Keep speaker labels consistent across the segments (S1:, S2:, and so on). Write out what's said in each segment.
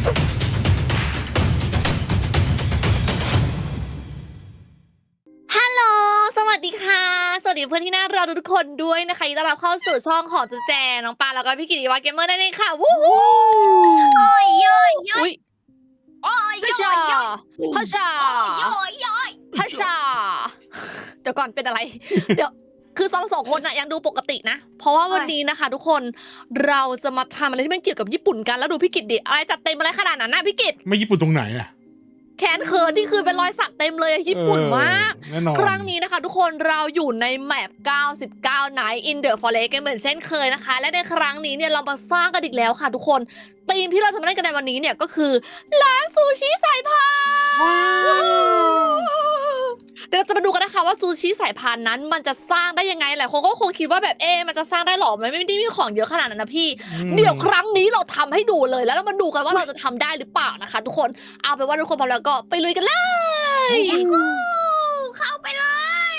S1: ฮัลโหลสวัสดีค่ะสวัสดีเพื่อนที่น่ารักทุกคนด้วยนะคะยินดีต้อนรับเข้าสู่ช่องของจุ๊แจน้องปาแล้วก็พี่กิติวัฒน์เกมเมอร์นั่นเองค่ะวู้ฮู้
S2: โอ้ยย่อยย่อย
S1: อุ้ย
S2: โอ้ย
S1: ฮัช
S2: ย่
S1: ชา
S2: อยย่อย
S1: ฮัชชา
S2: โอ้ยย่อย
S1: ฮัชชาเดี๋ยวก่อนเป็นอะไร เดี๋ยวคือเราสองคนน่ะยังดูปกตินะ เพราะว่าวันนี้นะคะ ทุกคนเราจะมาทำอะไรที่มันเกี่ยวกับญี่ปุ่นกันแล้วดูพี่กิตดิอะไรจัดเต็มอะไรขนาดนั้นนะพี่กิต
S3: ไม่ญี่ปุ่นตรงไหนอะ
S1: แขนเขินที่คือเป็นรอยสักเต็มเลยญี่ปุ่นมาก
S3: แน่นอน
S1: ครั้งนี้นะคะทุกคนเราอยู่ในแมป 99 Night in the Forest กันเหมือนเช่นเคยนะคะ และในครั้งนี้เนี่ยเรามาสร้างกันอีกแล้วค่ะทุกคนธีมที่เราจะมาเล่นกันในวันนี้เนี่ยก็คือร้านซูชิสายพานเดี๋ยวเราจะมาดูกันนะคะว่าซูชิสายพานนั้นมันจะสร้างได้ยังไงหลายคนก็คงคิดว่าแบบมันจะสร้างได้หรอมันไม่ได้มีของเยอะขนาดนั้นนะพี่ เดี๋ยวครั้งนี้เราทำให้ดูเลยแล้วเรามาดูกันว่าเราจะทำได้หรือเปล่านะคะ ทุกคนเอาเป็นว่าทุกคนพร้อมแล้วก็ไปลุยกันเลย
S2: เข้าไปเลย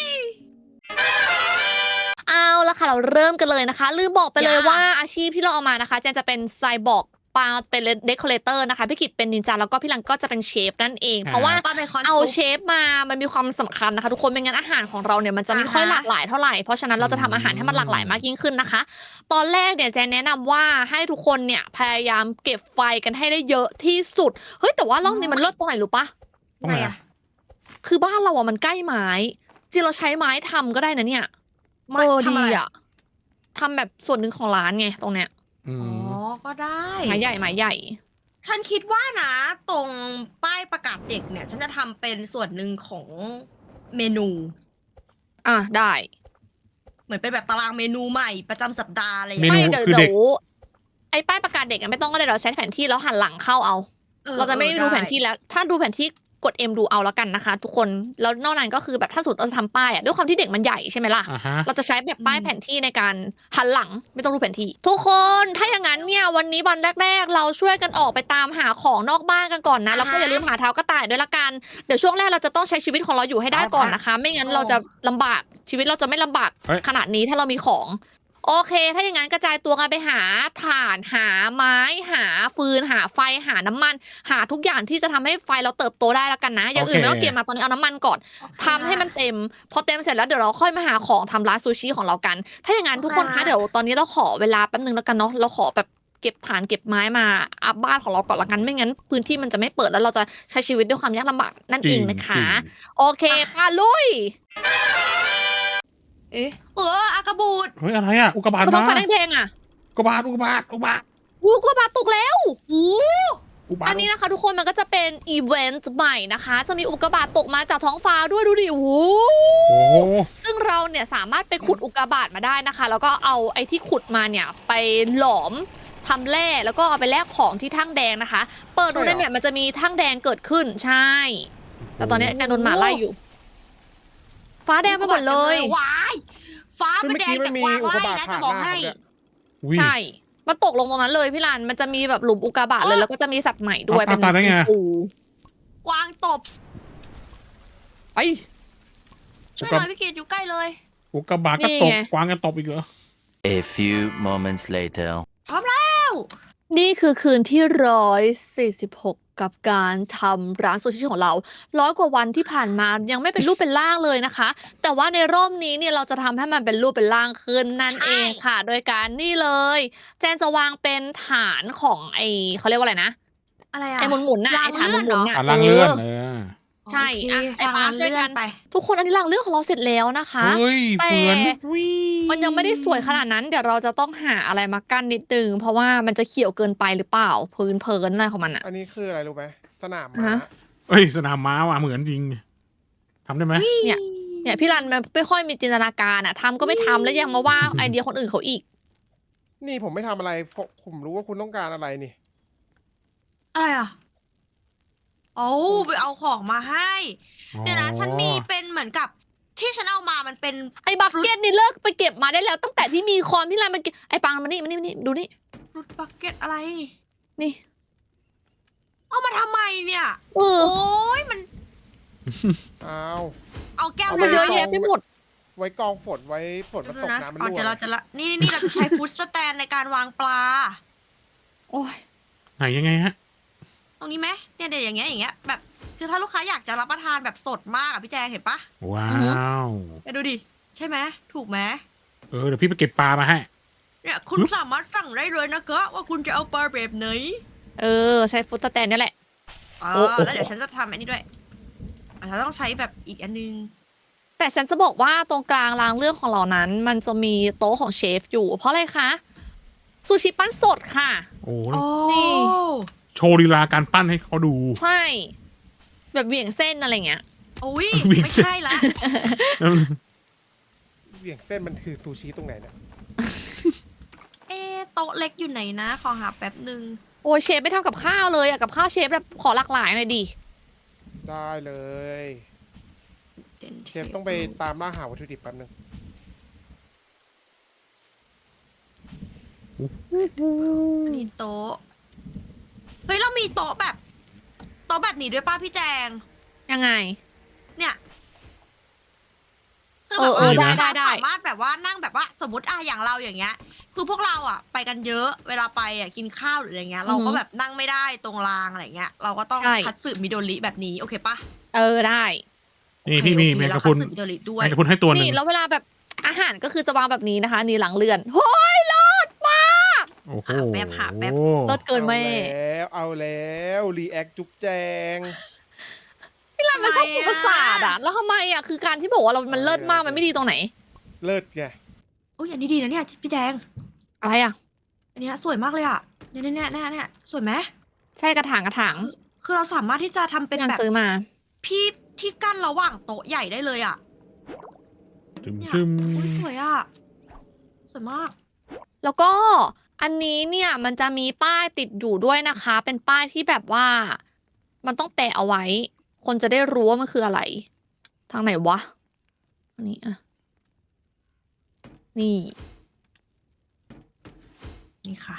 S1: เอาละค่ะเราเริ่มกันเลยนะคะลืมบอกไปเลยว่าอาชีพที่เราเอามานะคะแจนจะเป็นไซบอร์กปาเป็นเดคอเรเตอร์นะคะพี่กิตเป็นนินจาแล้วก็พี่ลังก็จะเป็นเชฟนั่นเอง เพราะว่า
S2: ปาเป็นคอน
S1: เอาเชฟมามันมีความสำคัญนะคะทุกคนไม่งั้นอาหารของเราเนี่ยมันจะไม่ค่อยหลากหลายเท่าไหร่เพราะฉะนั้นเราจะทำอาหารให้มันหลากหลายมากยิ่งขึ้นนะคะ ตอนแรกเนี่ยแจนแนะนำว่าให้ทุกคนเนี่ยพยายามเก็บไฟกันให้ได้เยอะที่สุดเฮ้ยแต่ว่ารอบนี้มันเลิศตรงไหนรู้ปะ
S3: ตรงไหนอะ
S1: คือบ้านเราอะมันใกล้ไม้จริงเราใช้ไม้ทำก็ได้นะเนี่ยดีอะทำแบบส่วนหนึ่งของร้านไงตรงเนี้ย
S3: อื
S2: อ๋อ
S3: ม
S2: ก็ได้
S1: ไม้ใหญ่ไม้ใหญ่
S2: ฉันคิดว่านะ ตรงป้ายประกาศเด็กเนี่ย ฉันจะทำเป็นส่วนหนึ่งของเมนู
S1: อ่ะได้
S2: เหมือนเป็นแบบตารางเมนูใหม่ประจำสัปดาห์อะไรอย่าง
S3: เม
S2: เงี้ย
S3: นู
S1: ไม่เดี๋ยว
S3: คือเด็ก
S1: ไอ้ป้ายประกาศเด็กอะไม่ต้องก็ได้เราใช้แผนที่แล้วหันหลังเข้าเอา เราจะไม่ดูแผนที่แล้ว ถ้าดูแผนที่กด M ดูเอาแล้วกันนะคะ ทุกคนแล้วนอกนั้นก็คือแบบถ้าสมมติเราจะทำป้ายอะด้วยความที่เด็กมันใหญ่ใช่ไหมล่ะ
S3: อ่าฮะ
S1: เราจะใช้แบบป้ายแผนที่ในการหันหลังไม่ต้องดูแผนที่ ทุกคนถ้าอย่างนั้นเนี่ยวันนี้วันแรกๆ เราช่วยกันออกไปตามหาของนอกบ้านกันก่อนนะแล้วก็อย่าลืมหาเท้ากระต่ายด้วยละกันเดี๋ยวช่วงแรกเราจะต้องใช้ชีวิตของเราอยู่ให้ได้ก่อนนะคะ ไม่งั้นเราจะลำบากชีวิตเราจะไม่ลำบากขนาดนี้ถ้าเรามีของโอเค ถ้าอย่างนั้นกระจายตัวกันไปหาถ่านหาไม้หาฟืนหาไฟหาน้ำมัน หาทุกอย่างที่จะทำให้ไฟเราเติบโตได้แล้วกันนะอย่างอื่นไม่ต้องเก็บมาตอนนี้เอาน้ำมันก่อน ทำให้มันเต็มพอเต็มเสร็จแล้วเดี๋ยวเราค่อยมาหาของทำร้านซูชิของเรากัน ถ้าอย่างนั้นทุกคนคะเดี๋ยวตอนนี้เราขอเวลาแป๊บนึงแล้วกันเนาะเราขอแบบเก็บฐานเก็บไม้มาอัพบ้านของเราก่อนละกันไม่งั้นพื้นที่มันจะไม่เปิดแล้วเราจะใช้ชีวิตด้วยความยากลำบากนั่นเองนะคะ โอเคป้าลุยเอ๊ะ
S2: อากาบูด
S3: เฮ้ยอะไรอะอุกกาบาต
S1: มันต้อ
S3: มาง
S1: ไฟแดงๆอ่ะ
S3: อุกกาบาตอุกกาบาตอุกกาบาต
S1: วูกว่าบาตกแล้ว
S3: อุกกาบาต
S1: อันนี้นะคะทุกคนมันก็จะเป็นอีเวนต์ใหม่นะคะ จะมีอุกกาบาตตกมาจากท้องฟ้าด้วยดูดิโอ้โห
S3: โอ้โห
S1: ซึ่งเราเนี่ยสามารถไปขุดอุกกาบาตมาได้นะคะ แล้วก็เอาไอ้ที่ขุดมาเนี่ยไปหลอมทำแร่แล้วก็เอาไปแลกของที่ทั่งแดงนะคะ เปิดดูในแมปมันจะมีทั่งแดงเกิดขึ้นใช่ แต่ตอนนี้ยังโดนหมาไล่อยู่ ฟ้าแดงไปหมดเลย
S2: ว้ายฟ้ามันแดงจากวางไล่นะจะบอกให้
S3: อุ๊ย
S1: ใช่ มันตกลงตรงนั้นเลยพี่รันมันจะมีแบบหลุมอุกกาบาตเลยแล้วก็จะมีสัตว์ใหม่ด้วย
S3: เอาตาได้ไง
S1: ปู
S2: กวางตบ
S1: ไป
S2: ช่วยหน่อยพี่เกดอยู่ใกล้เลย
S3: อุกกาบาตก็
S1: นี่
S3: ตก
S1: ไง
S3: กวางก็ตบอีกเหรอ
S4: A few moments later.
S2: พร้อมแล้ว
S1: นี่คือคืนที่146กับการทำร้านซูชิของเรา100 กว่าวันที่ผ่านมายังไม่เป็นรูปเป็นร่างเลยนะคะ แต่ว่าในรอบนี้เนี่ยเราจะทำให้มันเป็นรูปเป็นร่างขึ้นนั่นเองค่ะ โดยการนี่เลย แจนจะวางเป็นฐานของเขาเรียกว่าอะไรนะ
S2: อะไรอะ
S1: ไอ้หมุนๆน่ะ
S2: รา
S1: ไอ้
S2: ง
S1: ฐาน
S2: เลื่อน
S1: หมุนๆ
S2: เหรอ
S1: น่ะ
S3: อ่ะล่างเลื่อน
S1: ใช่
S2: โอเค
S1: อ่ะไอ้ปาช่วยกัน
S2: ไป
S1: ทุกคนอันนี้รางเรื่องของเราเสร็จแล้วนะคะ
S3: เฮ้ย
S1: แต่
S3: เหมือนวิ
S1: มันยังไม่ได้สวยขนาดนั้นเดี๋ยวเราจะต้องหาอะไรมากั้นนิดนึงเพราะว่ามันจะเขียวเกินไปหรือเปล่าพื้นเพลินอะไรของมันอะ
S5: อันนี้คืออะไรรู้ไหมสนาม
S1: ฮะ
S5: ม้า
S3: เอ้ยสนามม้าว่ะเหมือนจริงทำได้ไหม
S1: เนี่ยพี่รันมันไม่ค่อยมีจินตนาการอะทำก็ไม่ทำแล้วยังมาว่าไอเดียคนอื่นเขาอีก
S5: นี่ผมไม่ทำอะไรเพราะผมรู้ว่าคุณต้องการอะไรนี่
S2: อะไรอ่ะเอาไปเอาของมาให้ เดี๋ยวนะฉันมีเป็นเหมือนกับที่ฉันเอามามันเป็น
S1: ไอ้บักเก็ตนี่เลิกไปเก็บมาได้แล้วตั้งแต่ที่มีคอนพี่รันมันไอ้ปังมานี่ดูนี่
S2: ฟรุตบักเก็ตอะไร
S1: นี่
S2: เอามาทำไมเนี่ย
S1: เออ
S2: โอ้ยมัน
S5: อ้าว
S2: เอาแก้ว
S5: เอา
S1: มัน
S5: ไป
S1: เย
S2: น้ำ
S1: อะแยะไปหมด
S5: ไว้กองฝนไว้ฝนมันตก
S2: นะ
S5: น้ำมัน
S2: เอา
S5: รั่
S2: จะ
S5: ว
S2: เราจะละนี่เราจะใช้ฟุตสแตนในการวางปลา
S1: โอ้ย
S3: ไหนยังไงฮะ
S2: ตรงนี้ไหมเนี่ยเดี๋ยวอย่างเงี้ยแบบคือถ้าลูกค้าอยากจะรับประทานแบบสดมากอะพี่แจงเห็นปะ
S3: ว้าว
S2: เนี่ยดูดิใช่ไหมถูกไหม
S3: เดี๋ยวพี่ไปเก็บปลามาให้
S2: เนี่ยคุณสามารถสั่งได้เลยนะคะว่าคุณจะเอาปลาแบบไหน
S1: ใช้ฟุตสแตนนี่แหละ
S2: แล้วเดี๋ยวฉันจะทำอันนี้ด้วยฉันต้องใช้แบบอีกอันนึง
S1: แต่ฉันจะบอกว่าตรงกลางรางเรื่องของเรานั้น มันจะมีโต๊ะของเชฟอยู่ เพราะอะไรคะซูชิปั้นสดค่ะ
S3: โอ้
S2: โอ้
S1: นี่
S3: โชว์ลีลาการปั้นให้เขาดู
S1: ใช่ แบบเหวี่ยงเส้นอะไรเงี้ย
S2: อุ้ย
S3: วิ่ง
S2: ไม่
S3: เส้น
S2: ใช่ละ
S5: เหวี่ยงเส้นมันคือซูชิตรงไหนเนี่ย
S2: โต๊ะเล็กอยู่ไหนนะ ขอหาแป๊บหนึ่ง
S1: โอ้ยเชฟไม่ทำกับข้าวเลยอะกับข้าวเชฟแบบขอหลากหลายหน่อยดิ
S5: ได้เลย เชฟต้องไปตามล่าหาวัตถุดิบแป๊บนึง
S2: นี่โต๊ะเฮ้ยเรามีโต๊ะแบบนี้ด้วยป้าพี่แจง
S1: ยังไง
S2: เนี่ยคือ
S1: เอ
S2: แบบ
S1: อ
S2: ว่า
S1: ได้
S2: สามารถแบบว่านั่งแบบว่าสมมติอย่างเราอย่างเงี้ย คือพวกเราอะไปกันเยอะเวลาไปอะกินข้าวหรืออะไรเงี้ย เราก็แบบนั่งไม่ได้ตรงรางอะไรเงี้ย เราก็ต้อง
S1: ใช่
S2: คัตสึมิโดริแบบนี้โอเคปะ
S1: ได้
S3: นี่พี่มี
S2: โอเค
S3: แมงกะ
S2: เรา
S3: พรุน
S2: คัตสึมิโดริด้วย
S3: แมงกะพรุนให้ตัวหนึ่
S1: นี่
S3: ง
S1: แล้วเวลาแบบอาหารก็คือจะวางแบบนี้นะคะ นี่หลังเรือนโอ้ยเลิศมาก
S3: โอ้โห
S2: หาแป๊บ
S1: เลิศเกินแม่
S5: เอาแล้วรีแอคจุ๊บแจง
S1: พี่รันมันชอบพูดประสาทอะแล้วทำไมอะคือการที่บอกว่ามันเลิศมากมันไม่ดีตรงไหน
S5: เลิศไง
S2: อุ้ยอันนี้ดีนะเนี่ยพี่แจง
S1: อะไรอะ
S2: อันเนี้ยสวยมากเลยอะเนี่ยสวยไหม
S1: ใช่กระถาง
S2: คือเราสามารถที่จะทำเป็น
S1: พี่รัน
S2: แบบ
S1: ซื้อมา
S2: พี่ที่กั้นระหว่างโต๊ะใหญ่ได้เลยอะ
S3: จึม
S2: เนี่ย
S3: จึม
S2: อุ้ยสวยอะสวยมาก
S1: แล้วก็อันนี้เนี่ยมันจะมีป้ายติดอยู่ด้วยนะคะ เป็นป้ายที่แบบว่า มันต้องแปะเอาไว้ คนจะได้รู้ว่ามันคืออะไร ทางไหนวะอันนี้อะนี่
S2: นี่ค่ะ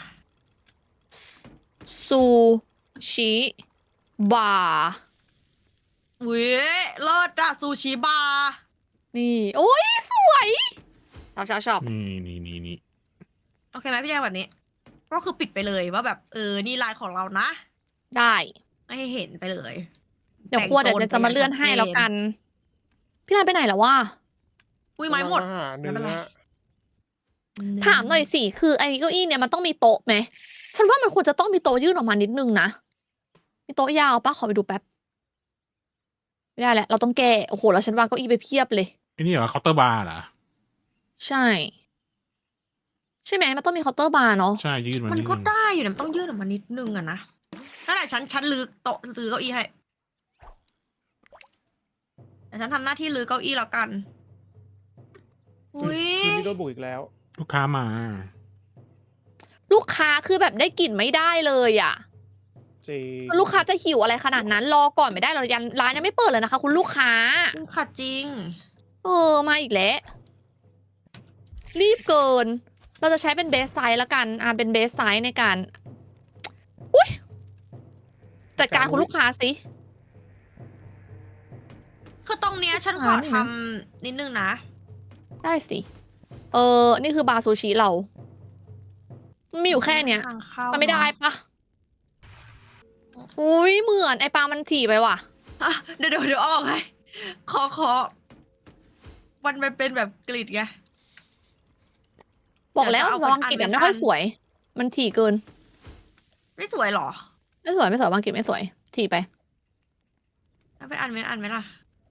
S1: ซูชิบาร์
S2: อุ้ยเลิศอะซูชิบาร์
S1: นี่ โอ้ยสวยชอบ
S3: นี่
S2: โอเคไหมพี่แจงแบบนี้ ก็คือปิดไปเลยว่าแบบนี่ลายของเรานะ
S1: ได้
S2: ไม่ให้เห็นไปเลย
S1: เดี๋ยวครัวเดี๋ยวจะมาเลื่อนให้แล้วกัน พี่รันไปไหนแล้ววะ
S2: อุ้ยไม้หมด
S5: อาหารเนื้
S2: ไม่เป็นไร
S5: อ
S1: ถามหน่อยสิ คือไอ้เก้าอี้เนี่ยมันต้องมีโต๊ะไหม ฉันว่ามันควรจะต้องมีโต๊ะยื่นออกมานิดนึงนะ มีโต๊ะยาวปะขอไปดูแป๊บ ไม่ได้แหละ เราต้องแก้ โอ้โห แล้วฉันวางเก้าอี้ไปเพียบเลย
S3: ไอ้นี่เหรอเคาน์เตอร์บาร์เหรอ
S1: ใช่ ใช่ไหมมันต้องมีเคาน์เตอร์บาร์เนาะ
S3: ใช่ยืดมัน
S2: มัน
S3: นิด
S2: ก็
S3: นึง
S2: ได้อยู่นะมันต้องยืดออกมานิดนึงอะนะนั่นแหละฉันลื้อโต๊ะลื้อเก้าอี้ให้แต่ฉันทำหน้าที่ลื้อเก้าอี้แล้วกัน อุ้ย
S5: คืนนี้โดนบุกอีกแล้ว
S3: ลูกค้ามา
S1: ลูกค้าคือแบบได้กลิ่นไม่ได้เลยอ่ะ
S5: จริง
S1: ลูกค้าจะหิวอะไรขนาดนั้น รอก่อนไม่ได้เรายันร้านยังไม่เปิดเลยนะคะ คุณลูกค้า
S2: ค่ะจริง
S1: มาอีกแล้ว รีบเกิน เราจะใช้เป็นเบสไซส์แล้วกัน เป็นเบสไซส์ในการ อุ้ยจัดการคุณลูกค้าสิ
S2: คือตรงเนี้ยฉันขอทำนิดนึงนะ
S1: ได้สิ นี่คือบาร์ซูชิเรา มันมีอยู่แค่เนี้ย
S2: ทางเข้า
S1: มันไม่ได้ปะอุ้ยเหมือนไอปลามันถี่ไปว่ะ
S2: อ่ะเดี๋ยวเอาออกให้ขอมันเป็นแบบกริดไง
S1: บอกแล้ว
S2: เดี๋ยวจะเอา
S1: วางกิบแบบไม่ค่อยสวย มันถี่เกิน
S2: ไม่สวยเหรอ
S1: ไม่สวยวางกิบไม่สวย ถี่ไป
S2: เอาเป็นอันไหมล่ะ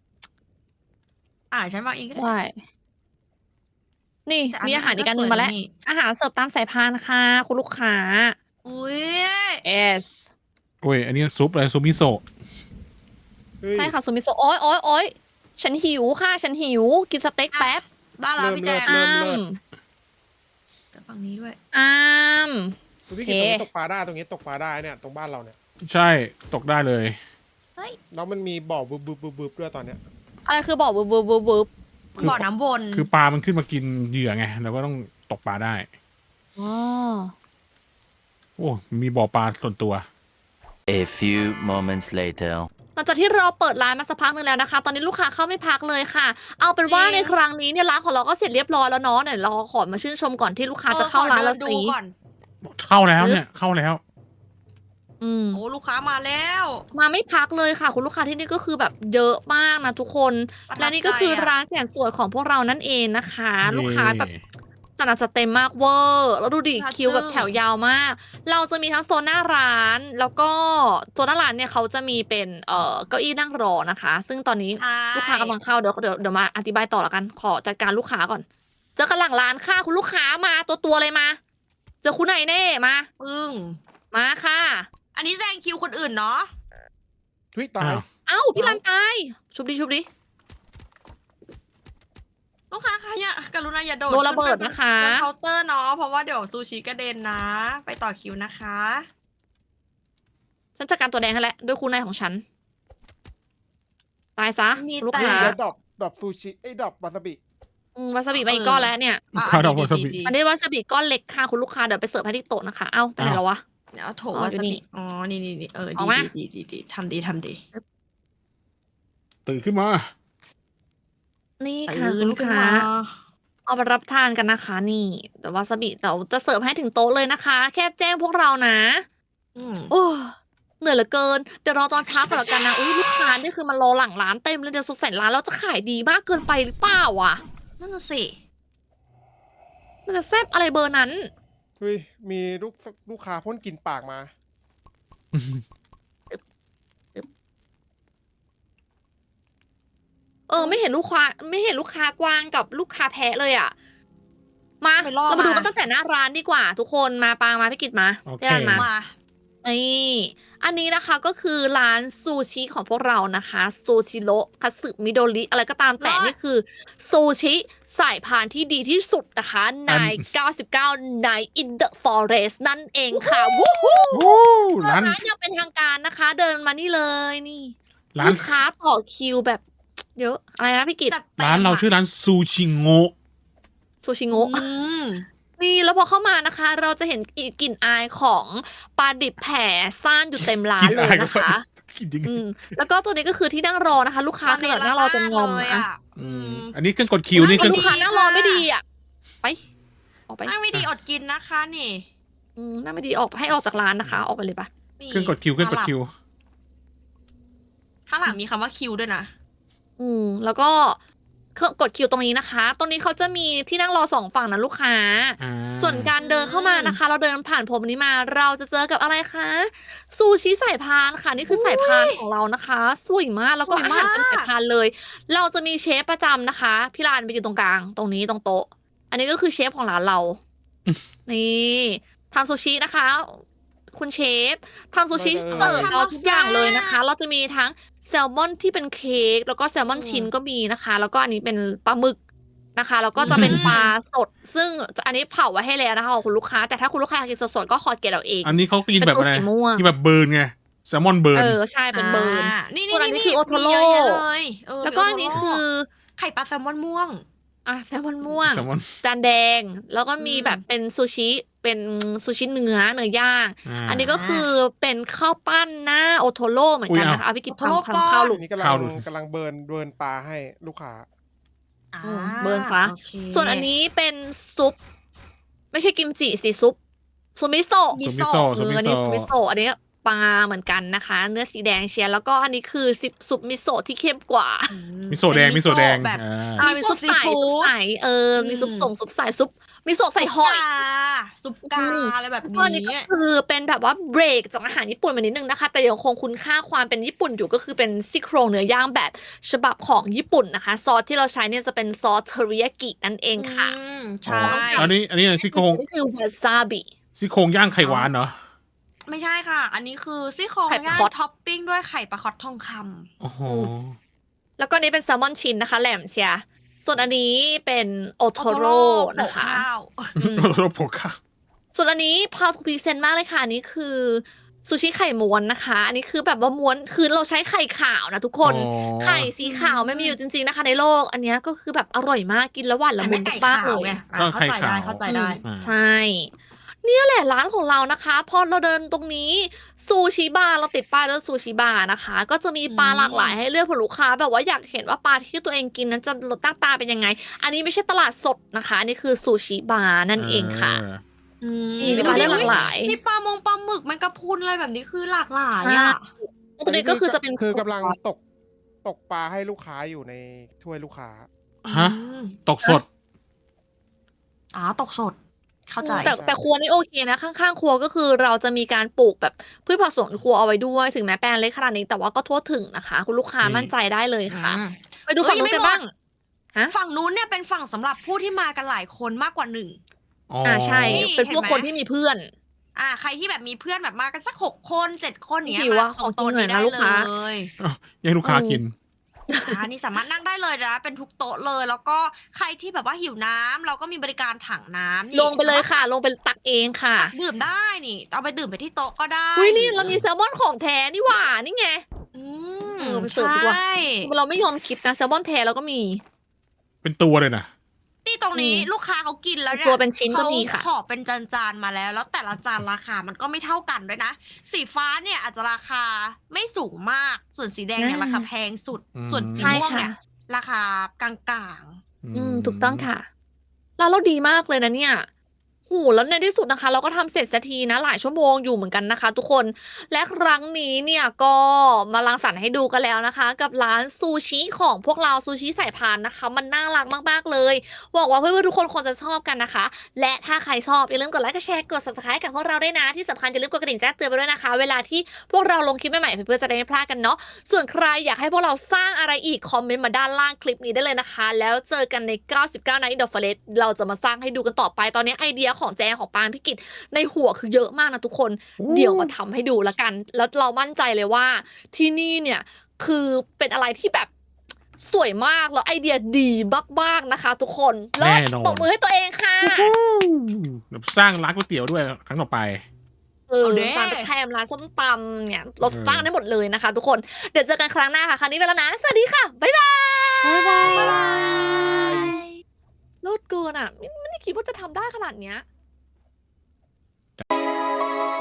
S2: ฉันวางเองก็ได้
S1: ได้ นี่
S2: แต่
S1: มีอาหารอีกอันหนึ่งมาแล้ว
S2: นี่
S1: อาหารเสิร์ฟตามสายพานค่ะ คุณลูกค้า
S2: อุ้ย
S1: yes
S3: โอ้ยอันนี้ซุปอะไรซุปมิโซะ
S5: เฮ้ย
S1: ใช่ค่ะซูมิโซะโอ๊ยฉันหิวค่ะ ฉันหิว กินสเต็กแป๊บ
S2: ได้แล้วพี่แจง
S5: เริ่
S1: อ้าม ม
S2: แต่ฝั่งนี้ด้วย
S1: อ้าม
S5: คุณพี่กินตรงนี้ตกปลาได้ตรงนี้ตกปลาได้เนี่ยตรงบ้านเราเนี่ย
S3: ใช่ตกได้เลย
S5: แล้วมันมีบ่อบึบด้วยตอนเนี้ย
S1: อะไรคือบอกบึบ
S3: คือ
S2: บ่อน้ำวน
S3: คือปลามันขึ้นมากินเหยื่อไงเราก็ต้องตกปลาได้
S1: อ๋อ
S3: โอ้มีบ่อปลาส่วนตัว
S4: A few moments later.
S1: หลังจากที่เราเปิดร้านมาสักพักหนึงแล้วนะคะ ตอนนี้ลูกค้าเข้าไม่พักเลยค่ะ เอาเป็นว่าในครั้งนี้เนี่ยร้านของเราก็เสร็จเรียบร้อยแล้วเนาะเดี๋ยวเราขอมาชื่นชมก่อนที่ลูกค้าจะเข้าร้านเรา
S2: ขอดินดู
S1: สิ
S2: ก่อน
S3: เข้าแล้วเนี่ยเข้าแล้ว
S2: โอ้ลูกค้ามาแล้ว
S1: มาไม่พักเลยค่ะ คุณลูกค้าที่นี่ก็คือแบบเยอะมากนะทุกคน
S2: ประทับ
S1: และนี่ก็คือ
S2: ใจอะ
S1: ร้านแสนสวยของพวกเรานั่นเองนะคะ
S3: เย่
S1: ลูกค้าแบบจัดหนักจัดเต็มมากเวอร์แล้วดูดิคิวแบบแถวยาวมาก เราจะมีทั้งโซนหน้าร้าน แล้วก็โซนหน้าร้านเนี่ยเขาจะมีเป็นเก้าอี้นั่งรอนะคะ ซึ่งตอนนี้
S2: ใช่
S1: ลูกค้ากำลังเข้าเดี๋ยวมาอธิบายต่อละกันขอจัดการลูกค้าก่อน เจอกันหลังร้านค่ะคุณลูกค้ามาตัวเลยมา เจอคุณไหนเน่มา
S2: ปึ้ง
S1: มาค่ะ
S2: อันนี้แซงคิวคนอื่นเนาะ
S5: ทุยตาย
S3: อ้าว
S1: เอ้าพี่ลันตายชุบดิ
S2: ลูกค้าคะอย่ากรุณาอย่าโดด
S1: โดนระเบิดนะคะ
S2: บนเคาน์เตอร์เนาะเพราะว่าเดี๋ยวซูชิกระเด็นนะ ไปต่อคิวนะคะ
S1: ฉันจัดการตัวแดงให้แล้วด้วยคุณนายของฉัน ตายซะ
S2: มี
S1: ลูก
S2: แต่
S1: ค้า
S5: แล้วดรอปซูชิดรอปวาซาบิ
S1: วาซาบิมาอีกก้อนแล้วเนี่ย
S3: ข้าวดอกวาซาบิ
S1: อันนี้วาซาบิก้อนเล็กค่ะคุณลูกค้าเดี๋ยวไปเสิร์ฟให้ที่โต๊ะนะคะ เอ้าไปไหนแล้ววะ
S2: เดี๋ยวเอาโถ
S1: อ๋อ
S2: วา
S1: อยู่
S2: ซา
S1: นี่
S2: บิอ๋อนี่เออ
S1: เอา
S2: ดี
S1: มา
S2: ดีทำดี
S3: ตื่นขึ้นมา
S1: นี่ค่ะ
S2: ตื่
S1: คุ
S2: น
S1: ณลูก
S2: ขึ้น
S1: ค้า
S2: มา
S1: เอาไปรับทานกันนะคะ นี่แต่วาซาบิเดี๋ยวจะเสิร์ฟให้ถึงโต๊ะเลยนะคะ แค่แจ้งพวกเรานะ
S2: อืม
S1: โอ้เหนื่อยเหลือเกินเดี๋ยวรอตอนเช้าก่อนละกันนะอุ้ยลูกค้านี่คือมันรอหลังร้านเต็มเลยเดี๋ยวสดใสร้านเราจะขายดีมากเกินไปหรือเปล่าวะ
S2: นั่นน่ะสิ
S1: มันจะแซ่บอะไรเบอร์นั้น
S5: เฮ้ยมีลูกค้าพ่นกลินปากมา
S1: ไม่เห็นลูกค้ากวางกับลูกค้าแพะเลยอ่ะ มา
S2: ไปล่อ
S1: เรามาดู
S2: มา
S1: กันตั้งแต่หน้าร้านดีกว่า ทุกคนมาปางมาพี่กิตมา
S3: โอเค
S1: พี่รันมา
S2: มา
S1: นี่อันนี้นะคะก็คือร้านซูชิของพวกเรานะคะซูชิโร่คัตสึมิโดริอะไรก็ตามแต่นี่คือซูชิสายพานที่ดีที่สุดนะคะใน 99 Night in the Forest นั่นเองค่ะวู้ฮู้
S3: โอ้ร้าน
S1: ร้านยังเป็นทางการนะคะ เดินมานี่เลยนี่
S3: ร้าน
S1: ลูกค้าต่อคิวแบบเยอะอะไรนะพี่กิต
S2: จัดต็ม
S3: ร้านเราชื่อร้านซูชิโงะ
S1: ซูชิโงะ
S2: อืม
S1: นี่แล้วพอเข้ามานะคะ เราจะเห็นกลิ่นอายของปลาดิบแผ่ซ่านอยู่เต็มร้านเลยนะคะ
S3: กินจริง
S1: แล้วก็ตัวนี้ก็คือที่นั่งรอนะคะ ลูกค้าคือแบบนั่งรอจนงอม
S2: เลย
S1: อะ
S2: อ่ะ
S3: อืมอันนี้เครื่องกดคิวนี่เครื่อง
S1: ลูกค้านั่งรอไม่ดีอ่ะไปออกไป
S2: นั่งไม่ดีอดกินนะคะนี่
S1: นั่งไม่ดีออกให้ออกจากร้านนะคะ ออกไปเลยปะ
S2: นี่
S3: เครื่องกดคิวเครื่องกดคิว
S2: ข้างหลังมีคำว่าคิวด้วยนะ
S1: แล้วก็เครื่องกดคิวตรงนี้นะคะ ตรงนี้เขาจะมีที่นั่งรอสองฝั่งนะลูกค้า
S3: อ่า
S1: ส่วนการเดินเข้ามานะคะ เราเดินผ่านผมนี้มาเราจะเจอกับอะไรคะซูชิสายพานค่ะนี่คือสายพานของเรานะคะสวยมากแล้วก็
S2: สวย
S1: อา
S2: มาก
S1: หารเต็มสายพานเลย เราจะมีเชฟประจำนะคะพี่ลานไปอยู่ตรงกลางตรงนี้ตรงโต๊ะ อันนี้ก็คือเชฟของร้านเรา นี่ทำซูชินะคะ คุณเชฟทำซูชิเสิร์ฟเราทุกอย่างเลยนะคะ เราจะมีทั้งแซลมอนที่เป็นเค้กแล้วก็แซลมอนชิ้นก็มีนะคะ แล้วก็อันนี้เป็นปลาหมึกนะคะ แล้วก็จะเป็นปลาสด ซึ่งอันนี้เผาไว้ให้แล้วนะคะของคุณลูกค้า แต่ถ้าคุณลูกค้าอยากกินสดๆก็ขอเกตเอาเอง
S3: อันนี้เขากินแบบ
S1: เป็นตัว
S3: อะไร
S1: สีม่วง
S3: กินแบบเบิร์นไงแซลมอนเบิร์น
S1: ใช่เป็นเบิร์น
S2: นี่
S1: ส่วนอันนี้คือโอโทโร่
S2: มีเยอะแยะเลยเ
S1: แล้วก็อันนี้คือ
S2: ไข่ปลาแซลมอนม่วง
S1: แซลมอนม่วง
S3: แซลมอน
S1: จานแดง แล้วก็มี
S2: อืม
S1: แบบเป็นซูชิเป็นซูชิเนื้อย่าง อันนี้ก็คือเป็นข้าวปั้นหน้าโอโทโร่เหมือนกันนะคะเอาพี่กิต
S2: โอโทโร่
S1: ทำข้าวหลุ
S5: อั
S1: ด
S5: นนี้กำลั
S3: ข้าว
S5: ง
S3: ดู
S5: กำลังเบิร์นปลาให้ลูกค้า
S1: อืมเบิร์นซะ
S2: โอเค
S1: ส่วนอันนี้เป็นซุป ไม่ใช่กิมจิสิซุปซูมิโซะ
S2: มิ
S3: ซูมิ
S2: โซะ
S3: โซะซูมิ
S1: อันนี้
S3: โซ
S1: ซูมิโซะอันนี้ปลาเหมือนกันนะคะ เนื้อสีแดงเชียร์แล้วก็อันนี้คือซุปมิโซะที่เข้มกว่า
S3: มิโซะแดง
S2: เป็น
S3: มิโซะแดง
S2: แบบ
S3: อ่า
S2: มิ
S1: มี
S2: โซะ
S1: ซุปใส
S2: ซีฟู้ด
S1: ซุปใสมีซุปส่งซุปใสซุปมิโซะใส่หอย
S2: ซุปกาอะไรแบบ
S1: ก็อันนี้
S2: นี้
S1: ก็คือเป็นแบบว่าเบรกจากอาหารญี่ปุ่นมานิดนึงนะคะ แต่ยังคงคุณค่าความเป็นญี่ปุ่นอยู่ก็คือเป็นซี่โครงเนื้อย่างแบบฉบับของญี่ปุ่นนะคะ ซอสที่เราใช้เนี่ยจะเป็นซอสเทอริยากินั่นเองค่ะ
S2: ใช่
S3: อันนี้ซี่โครง
S1: นี่คือวาซาบิ
S3: ซี่โครงย่างไข่หวานเหรอ
S2: ไม่ใช่ค่ะ อันนี้คือซี่โครง
S1: ไข่ปลา
S2: ย่าง
S1: คอต
S2: ท็อปปิ้งด้วยไข่ปลาคอตทองค
S3: โอ้โห
S1: แล้วก็นี่เป็นแซลมอนชิ้นนะคะ แหลมเชียร์ส่วนอันนี้เป็นโอ
S2: ำ
S1: โทโร่นะคะ
S2: โปข้าว
S1: อืม
S3: โรโผค่ะ
S1: ส่วนอันนี้พาวทูพรีเซนต์มากเลยค่ะอันนี้คือซูชิไข่ม้วนนะคะ อันนี้คือแบบว่าม้วนคือเราใช้ไข่ขาวนะทุกคน
S3: อ๋อ
S1: ไข่สีขาวไม่มีอยู่จริงๆนะคะในโลก อันเนี้ยก็คือแบบอร่อยมากกินแล้วหวานละมุน
S2: ไก่
S1: มาก
S2: ขา
S1: เล
S2: วย ไง
S3: ก็
S2: เข้า
S3: ไข่
S2: ใจได้
S3: ขาว
S2: เข้าใจได้
S3: อ่า
S1: ใช่ เนี่ยแหละร้านของเรานะคะพอเราเดินตรงนี้ซูชิบาร์เราติดป้ายด้วยซูชิบาร์นะคะ ก็จะมีปลาหลากหลายให้เลือกเผื่อลูกค้า แบบว่าอยากเห็นว่าปลาที่ตัวเองกินนั้นจะรสหน้าตาเป็นยังไง อันนี้ไม่ใช่ตลาดสดนะคะ อันนี้คือซูชิบาร์นั่นเองค่ะมีปลาเลือกหลากหลาย
S2: มีปลามงปลาหมึกแมงกะพรุนอะไรแบบนี้คือหลากหลาย
S1: ใช่
S2: อ่ะ
S1: ตัวนี้ก็คือจะเป็น
S5: คือกำลังตกปลาให้ลูกค้าอยู่ในถ้วยลูกค้า
S3: ฮะ
S2: อืม
S3: ตกสด
S2: ตกสด เข้าใจ
S1: แต่ครัวนี่โอเคนะข้างๆครัวก็คือเราจะมีการปลูกแบบพืชผักสวนครัวเอาไว้ด้วยถึงแม้แปลงเล็กขนาดนี้แต่ว่าก็ทั่วถึงนะคะ คุณลูกค้า
S3: นี่
S1: มั่นใจได้เลยค่ะ
S2: อืม
S1: ไปดูฝั่งนู้นกันบ้าง ฮะ
S2: ฝั่งนู้นเนี่ยเป็นฝั่งสำหรับผู้ที่มากันหลายคนมากกว่า1
S1: ใช่
S2: นี่
S1: เป็นพวก
S2: เห็นไหม
S1: คนที่มีเพื่อน
S2: ใครที่แบบมีเพื่อนแบบมากันสัก6 คน7 คนอย่างเนี้ย
S1: หิวอะ
S2: มา
S1: ขอกิน
S2: โต๊ะ
S1: หน่อยนะ
S2: ได้
S1: ลูกค้า
S2: เลย
S3: ยังลูกค้ากิน
S2: นี่สามารถนั่งได้เลยนะเป็นทุกโต๊ะเลย แล้วก็ใครที่แบบว่าหิวน้ำเราก็มีบริการถังน้ำนี่
S1: ลงไปเลยค่ะ ลงไปตักเองค่ะ
S2: ตักดื่มได้นี่เอาไปดื่มไปที่โต๊ะก็ได้
S1: อุ้ยนี่เรามีแซลมอนของแท้นี่หว่านี่ไง
S2: อืม
S1: ไปเสิร์ฟดีกว่า
S2: ใช่
S1: เราไม่ยอมคิดนะแซลมอนแท้เราก็มี
S3: เป็นตัวเลยนะ
S2: ที่ตรงนี้
S1: อืม
S2: ลูกค้าเขากินแล้วเนี่ย
S1: ตัวเป็นชิ้นก็มีค่ะ
S2: เขาขอเป็นจานๆมาแล้ว แล้วแต่ละจานราคามันก็ไม่เท่ากันด้วยนะ สีฟ้าเนี่ยอาจจะราคาไม่สูงมาก ส่วนสีแดงเนี่ย
S1: อ่า
S2: ราคาแพงสุด
S3: อืม
S2: ส่วนสี
S1: ใช่
S2: ม่วง
S1: ค่ะ
S2: เนี่ยราคากลาง
S1: ถูกต้องค่ะร้านเราดีมากเลยนะเนี่ยโหแล้วในที่สุดนะคะ เราก็ทำเสร็จสักทีนะ หลายชั่วโมงอยู่เหมือนกันนะคะ ทุกคน และครั้งนี้เนี่ยก็มารังสรรค์ให้ดูกันแล้วนะคะ กับร้านซูชิของพวกเราซูชิสายพานนะคะ มันน่ารักมากๆเลยบอกว่าเพื่อนๆทุกคนคงจะชอบกันนะคะ และถ้าใครชอบอย่าลืมกดไลค์กดแชร์กด subscribe กับพวกเราด้วยนะ ที่สำคัญอย่าลืมกดกระดิ่งแจ้งเตือนไปด้วยนะคะ เวลาที่พวกเราลงคลิปใหม่ๆเพื่อนๆจะได้ไม่พลาดกันเนาะ ส่วนใครอยากให้พวกเราสร้างอะไรอีกคอมเมนต์มาด้านล่างคลิปนี้ได้เลยนะคะ แล้วเจอกันใน 99 Night in the Forest เราจะมาสร้างให้ดูกันต่อไป ตอนนี้ไอเดียของแจงของปานพิกิจในหัวคือเยอะมากนะทุกคน เดี๋ยวมาทำให้ดูละกัน แล้วเรามั่นใจเลยว่าที่นี่เนี่ยคือเป็นอะไรที่แบบสวยมากแล้วไอเดียดีมากๆนะคะ ทุกคนเลิศ
S3: แน่นอน
S1: ตบมือให้ตัวเองค่ะ
S3: เดี๋ยวสร้างร้านก๋วยเตี๋ยวด้วยครั้งต่อไป
S2: เอาเด้
S1: ร้านกระแทมร้านส้มตำเนี่ยเราสร้างได้หมดเลยนะคะ ทุกคนเดี๋ยวเจอกันครั้งหน้าค่ะครั้งนี้ไปแล้วนะสวัสดีค่ะบ๊ายบาย
S2: ๆบ๊ายบาย
S1: โลดเกินอ่ะไม่ได้คิดว่าจะทำได้ขนาดเนี้ย